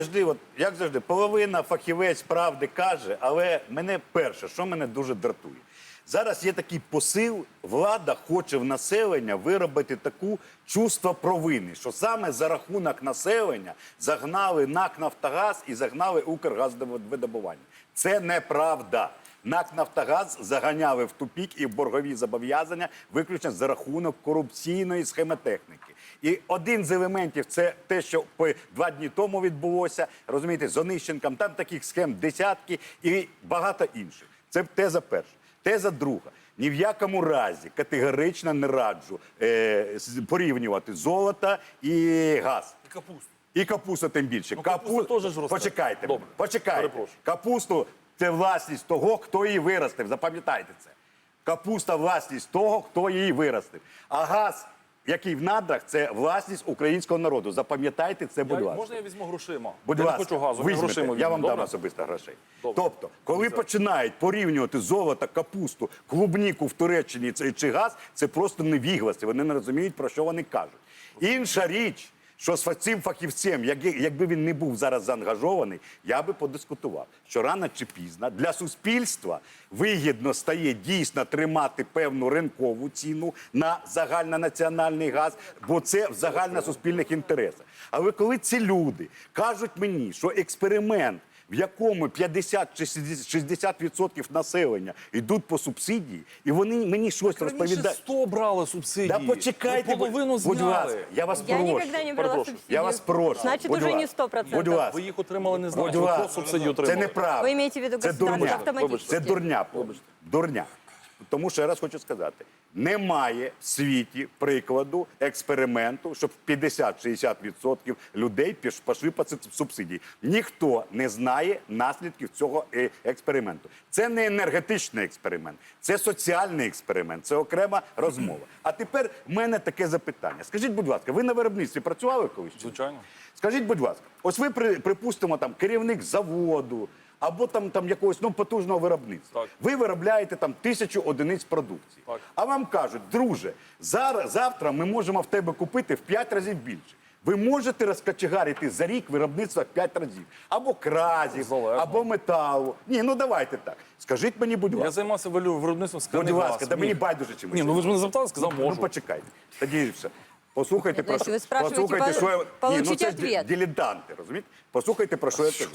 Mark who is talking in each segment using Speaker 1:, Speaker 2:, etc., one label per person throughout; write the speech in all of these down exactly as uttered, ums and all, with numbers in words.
Speaker 1: Завжди, от, як завжди, половина фахівець правди каже, але мене перше, що мене дуже дратує. Зараз є такий посил, влада хоче в населення виробити таку чувство провини, що саме за рахунок населення загнали НАК «Нафтогаз» і загнали «Укргазвидобування». Це неправда. НАК «Нафтогаз» заганяли в тупік і в боргові зобов'язання виключно за рахунок корупційної схемотехніки. І один з елементів – це те, що два дні тому відбулося, розумієте, з Онищенком, там таких схем десятки і багато інших. Це теза перша. Теза друга. Ні в якому разі категорично не раджу е, порівнювати золото і газ.
Speaker 2: І капусту.
Speaker 1: І капусту тим більше.
Speaker 2: Ну, капуста
Speaker 1: Капу...
Speaker 2: теж ж росте.
Speaker 1: Почекайте,
Speaker 2: Добре.
Speaker 1: почекайте.
Speaker 2: Перепрошую.
Speaker 1: Капусту – це власність того, хто її виростив. Запам'ятайте це. Капуста – власність того, хто її виростив. А газ, який в надрах, це власність українського народу. Запам'ятайте це, будь
Speaker 2: Я,
Speaker 1: ласка.
Speaker 2: можна я візьму грошима?
Speaker 1: Будь
Speaker 2: я
Speaker 1: ласка,
Speaker 2: не хочу газу,
Speaker 1: візьмете,
Speaker 2: грошима
Speaker 1: я вам
Speaker 2: візьму.
Speaker 1: дам
Speaker 2: Добре?
Speaker 1: особисто грошей.
Speaker 2: Добре.
Speaker 1: Тобто, коли
Speaker 2: Добре.
Speaker 1: починають порівнювати золото, капусту, клубніку в Туреччині чи газ, це просто невігласи, вони не розуміють, про що вони кажуть. Інша річ, що з цим фахівцем, якби він не був зараз заангажований, я би подискутував, що рано чи пізно для суспільства вигідно стає дійсно тримати певну ринкову ціну на загальнонаціональний газ, бо це в загальносуспільних інтересах. Але коли ці люди кажуть мені, що експеримент, в якому п'ятдесят чи шістдесят відсотків населення йдуть по субсидії, і вони мені щось
Speaker 2: Так раніше
Speaker 1: розповідають.
Speaker 2: сто брали субсидії.
Speaker 1: Да почекайте,
Speaker 2: Ви половину
Speaker 1: будь
Speaker 2: зняли.
Speaker 1: ласка, я вас
Speaker 3: Я
Speaker 1: прошу.
Speaker 3: никогда не брала
Speaker 2: Перепрошую.
Speaker 3: субсидию.
Speaker 1: Я вас прошу.
Speaker 3: Значит,
Speaker 1: будь
Speaker 3: уже
Speaker 1: ласка,
Speaker 3: не сто процентов.
Speaker 1: Будь ласка.
Speaker 2: Ви їх отримали не
Speaker 1: Будь
Speaker 2: знаєте,
Speaker 1: ласка.
Speaker 2: хто субсидію
Speaker 1: Це
Speaker 2: отримав.
Speaker 1: неправда.
Speaker 3: Ви маєте в виду
Speaker 1: Це
Speaker 3: государство
Speaker 1: дурня.
Speaker 3: автоматично.
Speaker 1: Це дурня. Дурня. Тому що я раз хочу сказати, немає в світі прикладу експерименту, щоб п'ятдесят-шістдесят відсотків людей піш- пішли по субсидії. Ніхто не знає наслідків цього е, експерименту. Це не енергетичний експеримент, це соціальний експеримент, це окрема розмова. А тепер в мене таке запитання. Скажіть, будь ласка, ви на виробництві працювали колись?
Speaker 2: Звичайно.
Speaker 1: Скажіть, будь ласка, ось ви, при- припустимо, там, керівник заводу, або там, там якогось ну, потужного виробництва.
Speaker 2: Так.
Speaker 1: Ви виробляєте там тисячу одиниць продукції.
Speaker 2: Так.
Speaker 1: А вам кажуть, друже, зараз, завтра ми можемо в тебе купити в п'ять разів більше. Ви можете розкачегарити за рік виробництва в п'ять разів. Або кразів,
Speaker 2: Залежно.
Speaker 1: або металу. Ні, ну давайте так. Скажіть мені, будь
Speaker 2: Я
Speaker 1: ласка.
Speaker 2: займався валю- виробництвом
Speaker 1: Будь
Speaker 2: скляних
Speaker 1: ласка,
Speaker 2: газ.
Speaker 1: да мені
Speaker 2: Міг.
Speaker 1: байдуже чимось.
Speaker 2: Ні, ну ви ж мене запитали, сказав,
Speaker 1: Ну,
Speaker 2: можу.
Speaker 1: почекайте. Тоді все. Послухайте, про
Speaker 3: Значить,
Speaker 1: що,
Speaker 3: ви спрашуєте,
Speaker 1: послухайте, що я... Ні, ну
Speaker 3: получите
Speaker 1: це ж
Speaker 3: ответ.
Speaker 1: дилетанти, розумієте? Послухайте, про що я кажу.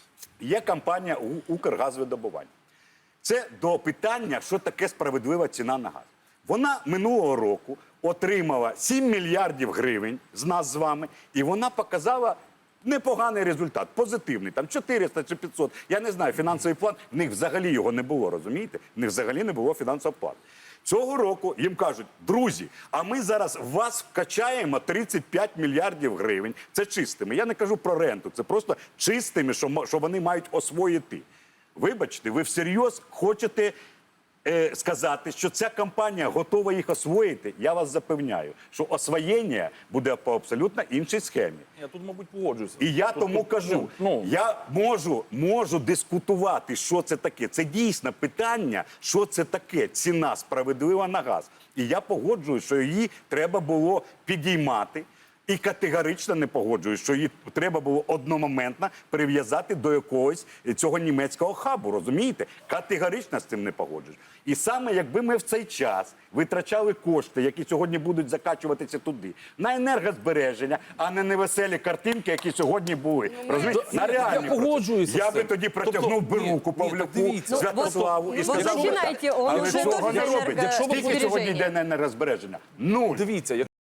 Speaker 1: Є компанія «У- «Укргазвидобування». Це до питання, що таке справедлива ціна на газ. Вона минулого року отримала сім мільярдів гривень з нас з вами, і вона показала непоганий результат, позитивний, там чотириста чи п'ятсот. Я не знаю, фінансовий план, в них взагалі його не було, розумієте? В них взагалі не було фінансового плану. Цього року їм кажуть, друзі, а ми зараз в вас вкачаємо тридцять п'ять мільярдів гривень. Це чистими. Я не кажу про ренту, це просто чистими, що, мо- що вони мають освоїти. Вибачте, ви всерйоз хочете е, сказати, що ця компанія готова їх освоїти? Я вас запевняю, що освоєння буде по абсолютно іншій схемі.
Speaker 2: Я тут, мабуть, погоджуюся.
Speaker 1: І я
Speaker 2: Тут-
Speaker 1: тому
Speaker 2: тут,
Speaker 1: кажу,
Speaker 2: ну,
Speaker 1: я можу, можу дискутувати, що це таке. Це дійсно питання, що це таке ціна справедлива на газ. І я погоджуюсь, що її треба було підіймати. І категорично не погоджуюсь, що її треба було одномоментно прив'язати до якогось цього німецького хабу, розумієте? Категорично з цим не погоджуюсь. І саме якби ми в цей час витрачали кошти, які сьогодні будуть закачуватися туди, на енергозбереження, а не невеселі картинки, які сьогодні були. Розумієте?
Speaker 2: Я-
Speaker 1: На
Speaker 2: я
Speaker 1: реальні
Speaker 2: погоджуюся
Speaker 1: процеси. Я
Speaker 2: з
Speaker 1: би
Speaker 2: цим.
Speaker 1: тоді протягнув
Speaker 2: Тобто,
Speaker 1: би
Speaker 2: ні,
Speaker 1: руку
Speaker 2: ні,
Speaker 1: Павлюку,
Speaker 2: так дивіться.
Speaker 1: Святославу і
Speaker 3: Ну,
Speaker 1: сказав,
Speaker 3: ви
Speaker 1: би так.
Speaker 3: починайте, он
Speaker 1: Але
Speaker 3: уже
Speaker 1: цього
Speaker 3: тут
Speaker 1: не
Speaker 3: за
Speaker 1: робить. Якщо ви
Speaker 3: енергосбереження.
Speaker 1: сьогодні йде на енергозбереження, нуль.
Speaker 2: Дивіться,